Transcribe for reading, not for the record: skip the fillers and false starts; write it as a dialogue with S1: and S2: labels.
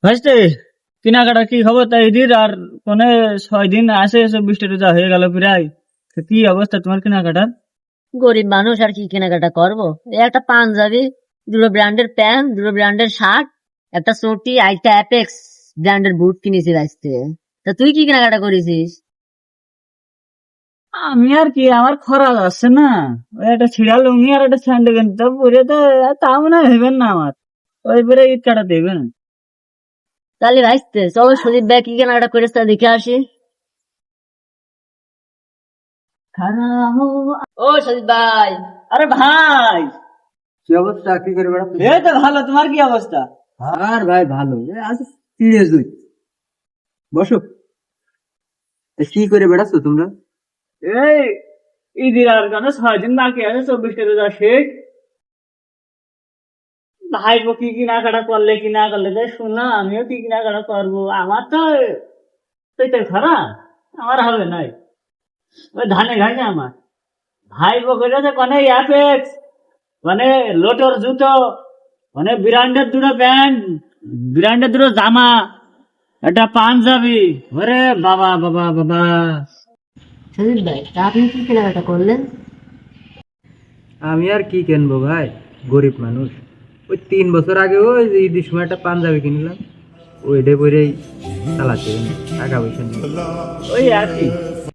S1: ভাইস্তে কেনাকাটা কি খবর তাই ঈদের আর কোনে 6 দিন আসে 24টা রোজা হয়ে গেল প্রায়। তো কি অবস্থা তোমার কেনাকাটার?
S2: গরিব মানুষ আর কি কেনাকাটা করবো, এই একটা পাঞ্জাবি, দুটো ব্র্যান্ডের প্যান্ট, দুটো ব্র্যান্ডের শার্ট, একটা চটি, একটা অ্যাপেক্স ব্র্যান্ডের বুট কিনেছি আজকে। তা তুই কি কেনাকাটা করেছিস?
S1: আমি আর কি, আমার খরা যাচ্ছে না, ওই একটা ছিড়া লুঙ্গি আর একটা স্যান্ডেল কিনতে পরে তো তাও না হইবেন না আমার, ওই পরে ঈদ কাটা দেবেন।
S2: তাহলে ভাইস্তে চলো সুদীপ ভাই কি কেনাকাটা করেছে তা দেখে আসি। ও সুদীপ ভাই।
S1: আরে ভাই,
S3: কি অবস্থা? কি করে বেড়াচ্ছ?
S1: এই তো ভালো, তোমার কি অবস্থা?
S3: আর ভাই ভালো, আজ সিরিয়াস দুই। বসো। কি করে বেড়াচ্ছ তোমরা?
S1: এই ঈদের আর কেন 6 দিন বাকি আছে, 24টা রোজা শেষ। ভাইবো কি কেনাকাটা করলে কি না করলে তাই শোনা, আমিও কি কেনাকাটা করবো। আমার তো পেটের খরা, আমার হবে নাই। ওই ধানে ঘাইছে আমার ভাইবো করেছে কোনে অ্যাপেক্স, মানে লোটর জুতো, মানে ব্র্যান্ডের দুটো প্যান্ট, ব্র্যান্ডের দুটো জামা, একটা পাঞ্জাবি। ওরে বাবা বাবা বাবা।
S2: সুদীপ ভাই তা আপনি কি কেনাকাটা করলেন?
S3: আমি আর কি কিনবো ভাই, গরিব মানুষ। ওই 3 বছর আগে ওই যে ঈদের সময় একটা পাঞ্জাবি কিনলাম, ওইটা পরেই চালাতে টাকা পয়সা নেই।
S1: ওই একই